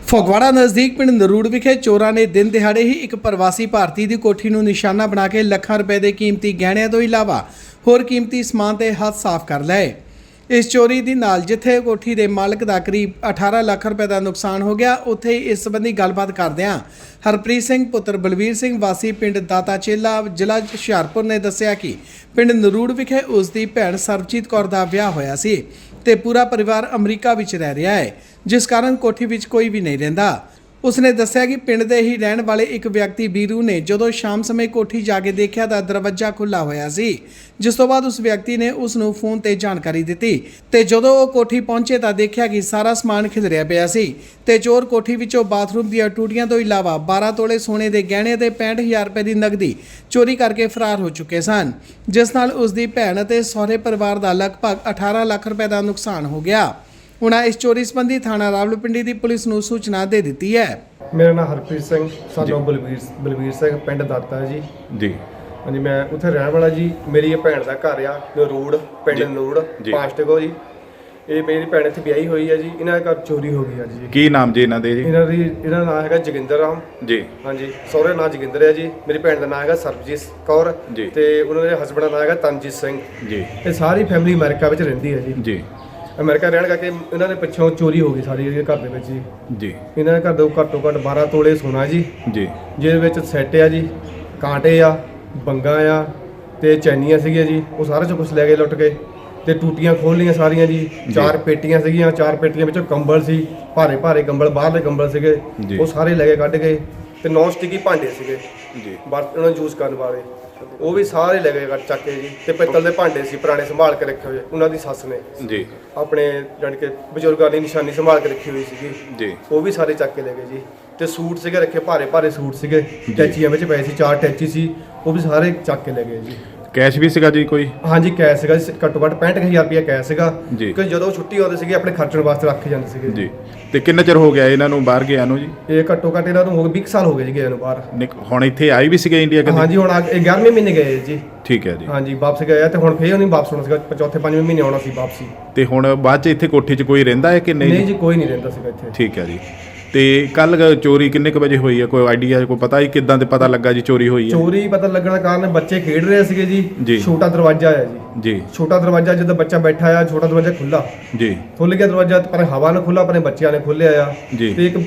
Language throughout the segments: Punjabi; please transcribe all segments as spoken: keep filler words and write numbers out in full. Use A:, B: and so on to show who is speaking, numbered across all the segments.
A: ਫਗਵਾੜਾ ਨਜ਼ਦੀਕ ਪਿੰਡ ਨਰੂੜ ਵਿਖੇ ਚੋਰਾਂ ਨੇ ਦਿਨ ਦਿਹਾੜੇ ਹੀ ਇੱਕ ਪ੍ਰਵਾਸੀ ਭਾਰਤੀ ਦੀ ਕੋਠੀ ਨੂੰ ਨਿਸ਼ਾਨਾ ਬਣਾ ਕੇ ਲੱਖਾਂ ਰੁਪਏ ਦੇ ਕੀਮਤੀ ਗਹਿਣਿਆਂ ਤੋਂ ਇਲਾਵਾ ਹੋਰ ਕੀਮਤੀ ਸਮਾਨ ਤੇ ਹੱਥ ਸਾਫ਼ ਕਰ ਲਏ। ਇਸ ਚੋਰੀ ਦੀ ਨਾਲ ਜਿੱਥੇ ਕੋਠੀ ਦੇ ਮਾਲਕ ਦਾ ਕਰੀਬ ਅਠਾਰਾਂ ਲੱਖ ਰੁਪਏ ਦਾ ਨੁਕਸਾਨ ਹੋ ਗਿਆ, ਉੱਥੇ ਹੀ ਇਸ ਸੰਬੰਧੀ ਗੱਲਬਾਤ ਕਰਦਿਆਂ ਹਰਪ੍ਰੀਤ ਸਿੰਘ ਪੁੱਤਰ ਬਲਵੀਰ ਸਿੰਘ ਵਾਸੀ ਪਿੰਡ ਦਾਤਾ ਚੇਲਾ ਜ਼ਿਲ੍ਹਾ ਹੁਸ਼ਿਆਰਪੁਰ ਨੇ ਦੱਸਿਆ ਕਿ ਪਿੰਡ ਨਰੂੜ ਵਿਖੇ ਉਸ ਦੀ ਭੈਣ ਸਰਬਜੀਤ ਕੌਰ ਦਾ ਵਿਆਹ ਹੋਇਆ ਸੀ ਤੇ ਪੂਰਾ ਪਰਿਵਾਰ ਅਮਰੀਕਾ ਵਿੱਚ ਰਹਿ ਰਿਹਾ ਹੈ, ਜਿਸ ਕਾਰਨ ਕੋਠੀ ਵਿੱਚ ਕੋਈ ਵੀ ਨਹੀਂ ਰਹਿੰਦਾ। ਉਸਨੇ ਦੱਸਿਆ ਕਿ ਪਿੰਡ ਦੇ ਹੀ ਰਹਿਣ ਵਾਲੇ ਇੱਕ ਵਿਅਕਤੀ ਬੀਰੂ ਨੇ ਜਦੋਂ ਸ਼ਾਮ ਸਮੇਂ ਕੋਠੀ ਜਾ ਕੇ ਦੇਖਿਆ ਤਾਂ ਦਰਵਾਜ਼ਾ ਖੁੱਲ੍ਹਾ ਹੋਇਆ ਸੀ, ਜਿਸ ਤੋਂ ਬਾਅਦ ਉਸ ਵਿਅਕਤੀ ਨੇ ਉਸ ਨੂੰ ਫੋਨ ਤੇ ਜਾਣਕਾਰੀ ਦਿੱਤੀ ਤੇ ਜਦੋਂ ਉਹ ਕੋਠੀ ਪਹੁੰਚੇ ਤਾਂ ਦੇਖਿਆ ਕਿ ਸਾਰਾ ਸਮਾਨ ਖਿਲਰਿਆ ਪਿਆ ਸੀ ਤੇ ਚੋਰ ਕੋਠੀ ਵਿੱਚੋਂ ਬਾਥਰੂਮ ਦੀਆਂ ਟੂਟੀਆਂ ਤੋਂ ਇਲਾਵਾ ਬਾਰਾਂ ਤੋਲੇ ਸੋਨੇ ਦੇ ਗਹਿਣੇ ਤੇ ਪੈਂਹਠ ਹਜ਼ਾਰ ਰੁਪਏ ਦੀ ਨਕਦੀ ਚੋਰੀ ਕਰਕੇ ਫਰਾਰ ਹੋ ਚੁੱਕੇ ਸਨ, ਜਿਸ ਨਾਲ ਉਸ ਦੀ ਭੈਣ ਅਤੇ ਸਹੁਰੇ ਪਰਿਵਾਰ ਦਾ ਲਗਭਗ ਅਠਾਰਾਂ ਲੱਖ ਰੁਪਏ ਦਾ ਨੁਕਸਾਨ ਹੋ ਗਿਆ। उन्हें इस चोरी संबंधी थाना रावलपिंडी की पुलिस को सूचना दे दी है।
B: मेरा नाम हरप्रीत सिंह सानू बलवीर बलवीर सिंह पिंड दाता जी जी हाँ जी। मैं उत्थे रहने वाला जी। मेरी ये भैन का घर आ नरूड़ पिंड नरूड़ पांचटको जी। ये मेरी भैन इत्थे ब्याही हुई है जी। इन्हां दे घर चोरी हो गई है जी।
C: की नाम जी इन्हां दे जी? इन्हां
B: दी इन्हां दा नाम हैगा जोगिंदर राम जी। हाँ जी। सहुरे नाम जोगिंदर है जी। मेरी भैन का नाम हैगा सरबजीत कौर जी ते उन्हां दे हसबैंड का नाम हैगा तनजीत सिंह जी। ये सारी फैमिली अमेरिका विच रहिंदी है जी जी। अमेरिका रहने करके इन्होंने पिछों चोरी हो गई सारी घर के जी जी। इन्होंने घर दो घट्टो घट्ट बारह तोले सोना जी जी, जिहदे सैट आ जी, कांटे आ, बंगा आ ते चैनियां सीगियां जी। वो सारा कुछ लै गए लुट के ते टूटियां खोल लियां सारियां जी। चार पेटियां सीगियां, चार पेटियां विचों कंबल सी, भारे भारे कंबल, बाहरले कंबल सीगे, वो सारे लै गए कढ के ते नॉन स्टिकी भांडे सीगे जी बर्तन उन्होंने यूज़ करने वाले, वो भी सारे ले गए ਚੱਕ ਕੇ ਜੀ। ਤੇ ਪਿੱਤਲ ਦੇ ਭਾਂਡੇ ਸੀ ਪੁਰਾਣੇ ਸੰਭਾਲ ਕੇ ਰੱਖੇ ਹੋਏ ਉਹਨਾਂ ਦੀ ਸੱਸ ਨੇ ਜੀ, ਆਪਣੇ ਜਾਨੀ ਕਿ ਬਜ਼ੁਰਗਾਂ ਦੀ ਨਿਸ਼ਾਨੀ ਸੰਭਾਲ ਕੇ ਰੱਖੀ ਹੋਈ ਸੀਗੀ ਜੀ। ਉਹ ਵੀ ਸਾਰੇ ਚੱਕ ਕੇ ਲੈ ਗਏ ਜੀ। ਤੇ ਸੂਟ ਸੀਗੇ ਰੱਖੇ, ਭਾਰੇ ਭਾਰੇ ਸੂਟ ਸੀਗੇ, ਟੈਚੀਆਂ ਵਿੱਚ ਪਏ ਸੀ, ਚਾਰ ਟੈਚੀ ਸੀ, ਉਹ ਵੀ ਸਾਰੇ ਚੱਕ ਕੇ ਲੈ ਗਏ ਜੀ।
C: कैश भी सीगा जी कोई? हाँ
B: जी कैश सीगा जी, घट्टो घट्ट पैंठ हज़ार रुपया कैश सीगा जी। कि ਜਦੋਂ ਛੁੱਟੀ ਆਉਂਦੇ ਸੀਗੇ ਆਪਣੇ ਖਰਚਣ ਵਾਸਤੇ ਰੱਖ ਜਾਂਦੇ ਸੀਗੇ
C: ਜੀ। ਤੇ ਕਿੰਨਾ ਚਿਰ ਹੋ ਗਿਆ ਇਹਨਾਂ ਨੂੰ ਬਾਹਰ ਗਿਆ ਨੂੰ ਜੀ?
B: ਇਹ ਘੱਟੋ ਘੱਟ ਇਹਨਾਂ ਨੂੰ ਹੋ ਗਏ ਵੀਹ ਸਾਲ ਹੋ ਗਏ ਜੀ ਗਏ ਨੂੰ ਬਾਹਰ।
C: ਹੁਣ ਇੱਥੇ ਆਈ ਵੀ ਸੀਗੇ ਇੰਡੀਆ ਕਦੇ?
B: ਹਾਂਜੀ ਹੁਣ ਗਿਆਰਵੇਂ ਮਹੀਨੇ ਗਏ ਜੀ।
C: ਠੀਕ ਹੈ ਜੀ।
B: ਹਾਂਜੀ ਵਾਪਸ ਗਏ ਆ ਤੇ ਹੁਣ ਫੇਰ ਨਹੀਂ ਵਾਪਸ ਹੋਣਾ ਸੀਗਾ, ਚੌਥੇ ਪੰਜਵੇਂ ਮਹੀਨੇ ਆਉਣਾ ਸੀ ਵਾਪਸੀ।
C: ਤੇ ਹੁਣ ਬਾਅਦ ਚ ਇੱਥੇ ਕੋਠੀ 'ਚ ਕੋਈ ਰਹਿੰਦਾ ਹੈ ਕਿ ਨਹੀਂ?
B: ਨਹੀਂ ਜੀ ਕੋਈ ਨਹੀਂ ਰਹਿੰਦਾ ਸੀਗਾ ਇੱਥੇ।
C: ਠੀਕ ਹੈ ਜੀ। ਤੇ ਕੱਲ ਚੋਰੀ ਕਿੰਨੇ ਕੁ ਵਜੇ ਹੋਈ ਹੈ, ਕੋਈ ਆਈਡੀਆ ਕੋਈ ਪਤਾ ਹੀ ਕਿੱਦਾਂ ਤੇ ਪਤਾ ਲੱਗਾ ਜੀ ਚੋਰੀ ਹੋਈ ਹੈ?
B: ਚੋਰੀ ਪਤਾ ਲੱਗਣ ਦਾ ਕਾਰਨ ਬੱਚੇ ਖੇਡ ਰਹੇ ਸੀਗੇ ਜੀ। ਛੋਟਾ ਦਰਵਾਜ਼ਾ ਹੈ ਜੀ ਜੀ। ਛੋਟਾ ਦਰਵਾਜ਼ਾ ਜਦੋਂ ਬੱਚਾ ਬੈਠਾ ਆ, ਛੋਟਾ ਦਰਵਾਜ਼ਾ ਖੁੱਲਾ ਜੀ, ਖੁੱਲ ਗਿਆ ਦਰਵਾਜ਼ਾ ਪਰ ਹਵਾ ਨਾਲ ਖੁੱਲਾ, ਆਪਣੇ ਬੱਚਿਆਂ ਨੇ ਖੋਲਿਆ ਆ। ਤੇ ਇੱਕ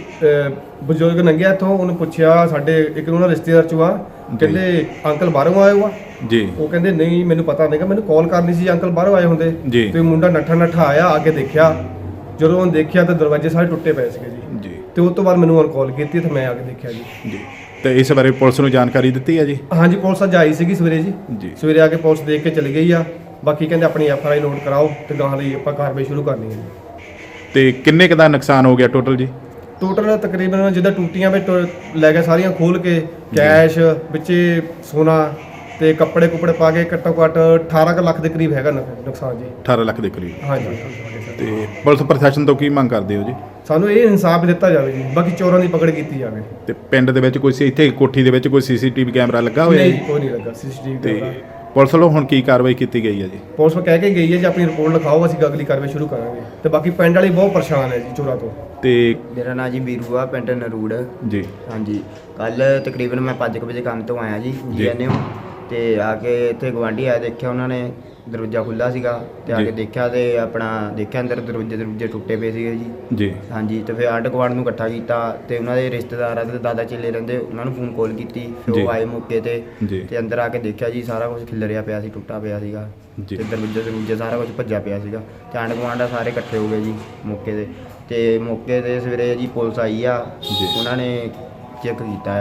B: ਬਜ਼ੁਰਗ ਲੰਘਿਆ ਇੱਥੋਂ, ਉਹਨੂੰ ਪੁੱਛਿਆ ਸਾਡੇ ਇੱਕ ਉਹਨਾਂ ਰਿਸ਼ਤੇਦਾਰ ਚੋਂ ਆ, ਕਹਿੰਦੇ ਅੰਕਲ ਬਾਹਰੋਂ ਆਏ ਹੋ ਆ ਜੀ? ਉਹ ਕਹਿੰਦੇ ਨਹੀਂ ਮੈਨੂੰ ਪਤਾ ਨਹੀਂਗਾ, ਮੈਨੂੰ ਕਾਲ ਕਰਨੀ ਸੀ ਅੰਕਲ ਬਾਹਰੋਂ ਆਏ ਹੁੰਦੇ। ਤੇ ਮੁੰਡਾ ਨੱਠਾ ਨੱਠਾ ਆਇਆ, ਆ ਕੇ ਦੇਖਿਆ, ਜਦੋਂ ਉਹਨੇ ਦੇਖਿਆ ਤਾਂ ਦਰਵਾਜ਼ੇ ਸਾਰੇ ਟੁੱਟੇ ਪਏ ਸੀਗੇ ਜੀ ਜੀ। ਤੇ ਉਸ ਤੋਂ ਬਾਅਦ ਮੈਨੂੰ ਕਾਲ ਕੀਤੀ ਤੇ ਮੈਂ ਆ ਕੇ ਦੇਖਿਆ ਜੀ ਜੀ। ਤੇ
C: ਇਸ ਬਾਰੇ ਪੁਲਿਸ ਨੂੰ ਜਾਣਕਾਰੀ ਦਿੱਤੀ ਹੈ ਜੀ?
B: ਹਾਂਜੀ ਪੁਲਿਸ ਅੱਜ ਆਈ ਸੀਗੀ ਸਵੇਰੇ ਜੀ ਜੀ। ਸਵੇਰੇ ਆ ਕੇ ਪੁਲਿਸ ਦੇਖ ਕੇ ਚਲੀ ਗਈ ਆ। ਬਾਕੀ ਕਹਿੰਦੇ ਆਪਣੀ ਐਫ ਆਰ ਆਈ ਨੋਟ ਕਰਾਓ ਤੇ ਗਾਹਾਂ ਲਈ ਆਪਾਂ ਕਾਰਵਾਈ ਸ਼ੁਰੂ ਕਰਨੀ ਹੈ ਜੀ।
C: ਤੇ ਕਿੰਨੇ ਕੁ ਦਾ ਨੁਕਸਾਨ ਹੋ ਗਿਆ ਟੋਟਲ ਜੀ?
B: ਟੋਟਲ ਤਕਰੀਬਨ ਜਿੱਦਾਂ ਟੂਟੀਆਂ ਵਿੱਚ ਲੈ ਕੇ ਸਾਰੀਆਂ ਖੋਲ ਕੇ, ਕੈਸ਼ ਵਿੱਚੇ ਸੋਨਾ ਤੇ ਕੱਪੜੇ ਕੁਪੜੇ ਪਾ ਕੇ ਘੱਟੋ ਘੱਟ ਅਠਾਰਾਂ ਕੁ ਲੱਖ ਦੇ ਕਰੀਬ ਹੈਗਾ ਨੁਕਸਾਨ ਜੀ।
C: ਅਠਾਰਾਂ ਲੱਖ ਦੇ ਕਰੀਬ
B: ਹਾਂਜੀ।
C: ਤੇ ਪੁਲਿਸ ਪ੍ਰਸ਼ਾਸਨ ਤੋਂ ਕੀ ਮੰਗ ਕਰਦੇ ਹੋ ਜੀ?
B: ਸਾਨੂੰ ਇਹ ਇਨਸਾਫ ਦਿੱਤਾ ਜਾਵੇ ਜੀ, ਬਾਕੀ ਚੋਰਾਂ ਦੀ ਪਕੜ ਕੀਤੀ ਜਾਵੇ।
C: ਤੇ ਪਿੰਡ ਦੇ ਵਿੱਚ ਕੋਈ ਇੱਥੇ ਕੋਠੀ ਦੇ ਵਿੱਚ ਕੋਈ ਸੀਸੀਟੀਵੀ ਕੈਮਰਾ ਲੱਗਾ ਹੋਇਆ?
B: ਨਹੀਂ ਕੋਈ ਨਹੀਂ ਲੱਗਾ ਸੀਸੀਟੀਵੀ ਕੈਮਰਾ।
C: ਪੁਲਿਸ ਵੱਲੋਂ ਹੁਣ ਕੀ ਕਾਰਵਾਈ ਕੀਤੀ ਗਈ ਹੈ ਜੀ?
B: ਪੁਲਿਸ ਕਹਿ ਕੇ ਗਈ ਹੈ ਜੀ ਆਪਣੀ ਰਿਪੋਰਟ ਲਿਖਾਓ, ਅਸੀਂ ਅਗਲੀ ਕਾਰਵਾਈ ਸ਼ੁਰੂ ਕਰਾਂਗੇ। ਤੇ ਬਾਕੀ ਪਿੰਡ ਵਾਲੀ ਬਹੁਤ ਪਰੇਸ਼ਾਨ ਹੈ ਜੀ ਚੋਰਾਂ ਤੋਂ।
C: ਤੇ
D: ਮੇਰਾ ਨਾਂ ਜੀ ਬੀਰੂ ਆ, ਪਿੰਡ ਨਰੂੜ ਜੀ। ਹਾਂਜੀ ਕੱਲ ਤਕਰੀਬਨ ਮੈਂ ਪੰਜ ਕੁ ਵਜੇ ਕੰਮ ਤੋਂ ਆਇਆ ਜੀ ਜੀ ਐਨ ਓ ਤੇ ਆ ਕੇ ਇੱਥੇ ਗਵਾਂਢੀ ਆਇਆ, ਦੇਖਿਆ ਉਹਨਾਂ ਨੇ ਦਰਵਾਜ਼ਾ ਖੁੱਲ੍ਹਾ ਸੀਗਾ ਤੇ ਆ ਕੇ ਦੇਖਿਆ ਤੇ ਆਪਣਾ ਦੇਖਿਆ ਅੰਦਰ ਦਰਵਾਜ਼ੇ ਦਰਵਾਜ਼ੇ ਟੁੱਟੇ ਪਏ ਸੀਗੇ ਜੀ ਜੀ। ਹਾਂਜੀ ਤੇ ਫਿਰ ਆਂਢ ਗੁਆਂਢ ਨੂੰ ਇਕੱਠਾ ਕੀਤਾ ਤੇ ਉਹਨਾਂ ਦੇ ਰਿਸ਼ਤੇਦਾਰਾਂ ਤੇ ਦਾਦਾ ਚੇਲੇ ਰਹਿੰਦੇ, ਉਹਨਾਂ ਨੂੰ ਫੋਨ ਕਾਲ ਕੀਤੀ। ਫਿਰ ਉਹ ਆਏ ਮੌਕੇ ਤੇ ਤੇ ਅੰਦਰ ਆ ਕੇ ਦੇਖਿਆ ਜੀ ਸਾਰਾ ਕੁਝ ਖਿਲਰਿਆ ਪਿਆ ਸੀ, ਟੁੱਟਾ ਪਿਆ ਸੀਗਾ ਤੇ ਦਰਵਾਜ਼ੇ ਦਰਵਾਜ਼ੇ ਸਾਰਾ ਕੁਝ ਭੱਜਿਆ ਪਿਆ ਸੀਗਾ। ਤੇ ਆਂਢ ਗੁਆਂਢ ਸਾਰੇ ਇਕੱਠੇ ਹੋ ਗਏ ਜੀ ਮੌਕੇ ਤੇ। ਤੇ ਮੌਕੇ ਤੇ ਸਵੇਰੇ ਜੀ ਪੁਲਿਸ ਆਈ ਆ, ਉਹਨਾਂ ਨੇ ਚੈੱਕ ਕੀਤਾ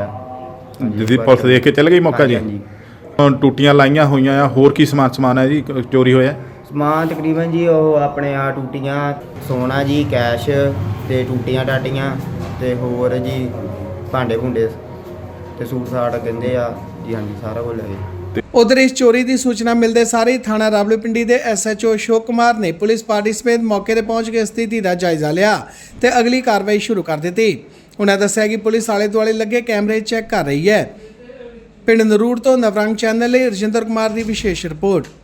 D: ਆ
C: ਜੀ। ਪੁਲਿਸ ਦੇਖ ਕੇ ਚੱਲ ਗਈ ਮੌਕਾ ਜੀ? ਟੂਟੀਆਂ ਲਾਈਆਂ ਹੋਈਆਂ ਆ, ਹੋਰ ਕੀ ਸਮਾਨ ਸਮਾਨ ਹੈ ਜੀ ਚੋਰੀ ਹੋਇਆ?
D: ਸਮਾਨ ਤਕਰੀਬਨ ਜੀ ਉਹ ਆਪਣੇ ਆ ਟੂਟੀਆਂ, ਸੋਨਾ ਜੀ, ਕੈਸ਼ ਤੇ ਟੂਟੀਆਂ ਟਾਟੀਆਂ ਤੇ ਹੋਰ ਜੀ ਭਾਂਡੇ ਭੁੰਡੇ ਤੇ ਸੂਟ ਸਾਟ ਕਹਿੰਦੇ ਆ ਜੀ। ਹਾਂਜੀ ਸਾਰਾ ਕੁਝ ਲੈ ਗਏ।
A: ਉਧਰ ਇਸ ਚੋਰੀ ਦੀ ਸੂਚਨਾ ਮਿਲਦੇ ਸਾਰੇ ਥਾਣਾ ਰਾਵਲਪਿੰਡੀ ਦੇ S H O Ashok Kumar ਨੇ ਪੁਲਿਸ ਪਾਰਟੀ ਸਮੇਤ ਮੌਕੇ ਤੇ ਪਹੁੰਚ ਕੇ ਸਥਿਤੀ ਦਾ ਜਾਇਜ਼ਾ ਲਿਆ ਤੇ ਅਗਲੀ ਕਾਰਵਾਈ ਸ਼ੁਰੂ ਕਰ ਦਿੱਤੀ। ਉਹਨਾਂ ਦੱਸਿਆ ਕਿ ਪੁਲਿਸ ਆਲੇ ਦੁਆਲੇ ਲੱਗੇ ਕੈਮਰੇ ਚੈੱਕ ਕਰ ਰਹੀ ਹੈ। ਪਿੰਡ ਨਰੂੜ ਤੋਂ ਨਵਰੰਗ ਚੈਨਲ ਲਈ ਰਜਿੰਦਰ ਕੁਮਾਰ ਦੀ ਵਿਸ਼ੇਸ਼ ਰਿਪੋਰਟ।